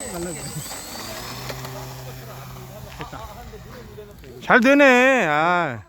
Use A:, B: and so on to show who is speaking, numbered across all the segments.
A: 잘 되네. 아.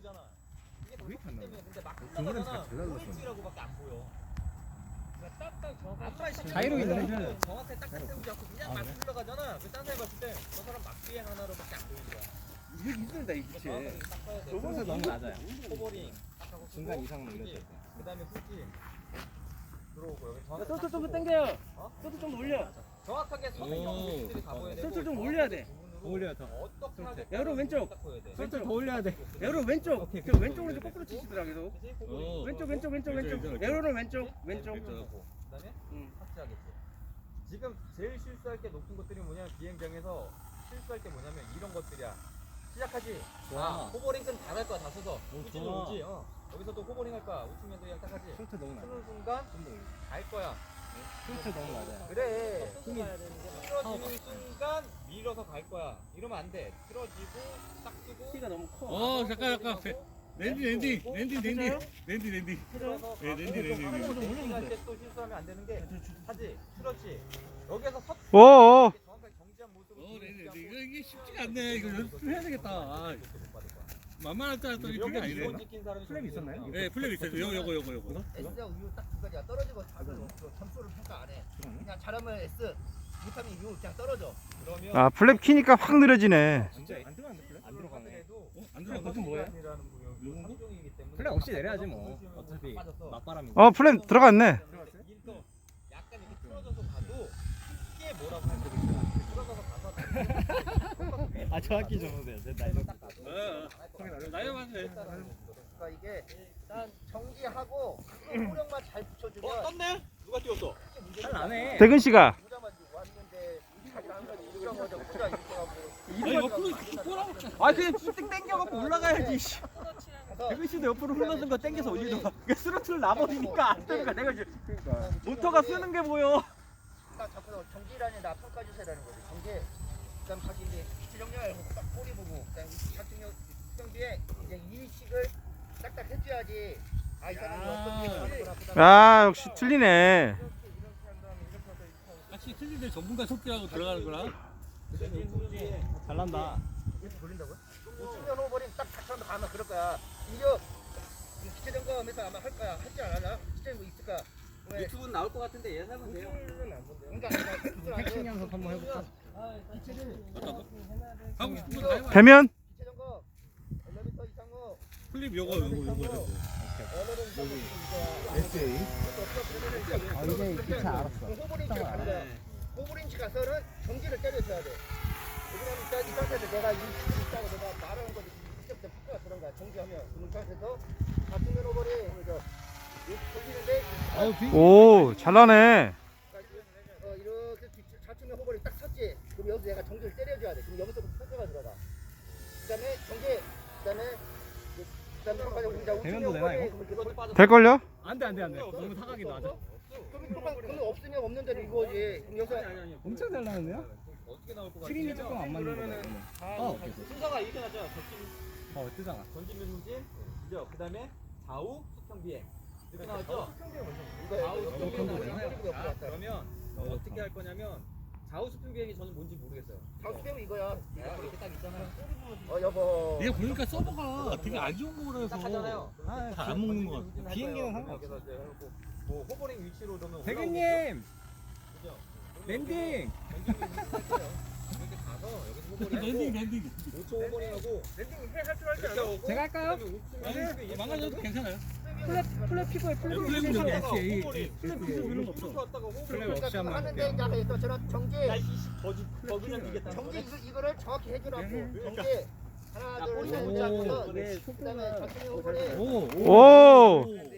B: 자이로 있네.
C: 정확하게 딱 세우지 않고 그냥 막 흘러가잖아. 그 딴 사람이 봤을 때 저 사람 막비행 하나로밖에 안 보이는 거야.
B: 이게 힘들다 이 기체.
C: 저번에
B: 너무 낮아요.
C: 코버링
B: 중간 이상 넘겼을 때.
C: 그다음에 후진 들어오고 여기 정확하게
B: 소트 좀
C: 딱
B: 당겨요.
C: 어?
B: 소트 좀 올려.
C: 정확하게 선생님 위치들이 다 보여야 되고
B: 소트 좀 올려야 돼.
C: 부분으로
B: 올려야 더.
C: 어떻게 하겠다는
B: 에어로 왼쪽.
C: 딱 보여야 돼.
B: 소트 더 올려야 돼. 에어로 왼쪽. 저 왼쪽으로 좀 거꾸로 치시더라 계속.
C: 그치? 코버링.
B: 왼쪽. 에어로는 왼쪽.
C: 그다음에 탑재하겠지. 지금 제일 실수할 게 높은 것들이 뭐냐면 비행장에서 실수할 게 뭐냐면 이런 것들이야. 시작하지. 아, 호버링은 다 갈 거야. 다 서서. 우측은
B: 좋아.
C: 오지. 여기서 또 호버링 할 거야. 우측면도 그냥 딱 하지.
B: 소트 너무 낮아.
C: 쓰는 순간 갈 거야.
B: 소트 너무 낮아.
C: 그래. 틀어지는 순간 밀어서 갈 거야. 이러면 안 돼. 틀어지고 딱 뜨고.
B: 키가 너무 커.
D: 잠깐. 랜디.
C: 틀어서
D: 네, 랜디.
C: 할때 또 실수하면 안 되는 게 하지. 틀었지. 여기서 섰.
A: 오.
C: 정확하게 정지한 모습으로.
D: 이게 쉽지가 않네. 이거 연습해야 되겠다. 아, 만만할 줄 알았더니 그게 아니네.
B: 플랩 있었나요?
D: 네, 플랩 있어요. 요거.
E: S와 U 딱 두 가지야. 떨어지고 답은 없어. 점수를 평가 안 해. 그냥 잘하면 S, 못하면 U 그냥 떨어져.
C: 그러면
A: 아, 플랩 키니까 확 느려지네.
B: 진짜 안 들어갔는데 플랩? 안 들어가네.
D: 안
B: 플랩 버튼 뭐예요? 플랩
C: 플랩
B: 없이 내려야지 뭐. 어차피 막바람이.
A: 플랩 들어갔네.
C: 약간 이렇게 틀어져서 가도 쉽게 뭐라고 할 수가 있어. 틀어져서 가서
B: 아 정확히 적어도 돼요.
C: 딱 가도.
D: 나요 맞네.
E: 그러니까 이게 일단 정지하고 호력만 잘 붙여주면
C: 떴네? 누가 띄웠어?
B: 잘 나네.
A: 대근 씨가.
E: 모자만 지고 왔는데 자기가 한 가지 이런 거죠. 모자 이렇게 하고.
D: 아니, 옆으로 꼬라고.
B: 아 그냥 쭉 당겨갖고 올라가야지. 대근 씨도 옆으로 흘러든 거 당겨서 올리던가. 그러니까 스로틀 나버리니까 안 되니까 내가 이제 모터가 쓰는 게 보여.
E: 딱 잡고 정지라니 나 평가 주세요라는 거지. 정지. 그다음 다시 이제 기체 정렬 딱 꼬리 보고 그다음 자충력 수정비에 이제 이식을 딱딱 해줘야지. 아 이 사람이 어떤
A: 야, 역시 틀리네.
D: 같이 틀린데 전문가 속기라고 들어가는 거라.
B: 잘난다.
E: 이렇게 돌린다고요? 우측면 호버링 딱 닥쳐서 가면 그럴 거야. 이거 기체 점검에서 아마 할 거야. 할지 안 하나? 기체 뭐 있을까? 왜?
C: 유튜브는 나올 것 같은데 예상은 돼요.
E: 그러니까
B: 핵심 연습 한번 해볼까?
E: 기체를
D: 하고 싶은 거 다 해봐.
A: 되면
E: 기체 점검 엘리베이터 이상호
D: 플립 요거.
B: SA. 아 이제 기차 알았어.
E: 호버링치 가는 거야. 호버링치 가서는 정지를 때려줘야 돼. 왜냐면 이 상태에서 내가 이 있다고 내가 말하는 거지. 그때부터 폭포가 들어간 거야. 정지하면 그 상태에서 좌측면 호버링 그래서 돌리는데
A: 오, 잘나네.
E: 이렇게 좌측면 호버링 딱 섰지. 그럼 여기서 내가 정지를 때려줘야 돼. 그럼 여기서부터 폭포가 들어가. 그다음에 정지. 그다음에
B: 대면도 되나, 이거?
A: 될걸요?
B: 안돼. 너무 사각이 낮아.
E: 그럼 없으면 없는 대로 이거지. 그럼 여기서
B: 엄청 잘 나는데요?
C: 어떻게 나올 것 같아?
B: 트림이 조금 안 맞는 거다.
C: 순서가 이렇게 나죠.
B: 뜨잖아.
C: 전진면 후진, 그죠? 그다음에 좌우 수평 비행 이렇게 나왔죠?
E: 이거
C: 좌우 수평 비행 나오잖아요.
E: 이거
C: 자, 그러면 어떻게 할 거냐면 좌우 수평 비행이 저는 뭔지 모르겠어요.
E: 좌수병 이거야.
C: 이렇게 딱 있잖아요.
E: 여보.
D: 얘 보니까 서버가 되게 안 좋은 거라서
C: 딱 하잖아요.
D: 잘안 먹는 거 같아.
B: 비행기는
C: 상관없어. 뭐 호버링 위치로 그러면
B: 대근님
C: 그죠?
B: 랜딩.
C: 이렇게 가서 여기서 호버링
D: 랜딩.
C: 5초 호버링하고
E: 랜딩 할줄 알지 않아?
B: 제가 할까요?
D: 망가져도 괜찮아요.
B: 플랩 피고에
D: 플랩
B: 피고.
C: 플랩
B: 이런 거 없어. 플랩 없이 하면 안 돼.
E: 하는데 이제 또 저런 정지.
C: 거기는 이게
E: 정지 이거를 정확히 해주라고. 정지. 하나 둘 셋. 그다음에 좌측면 호버링.
A: 오.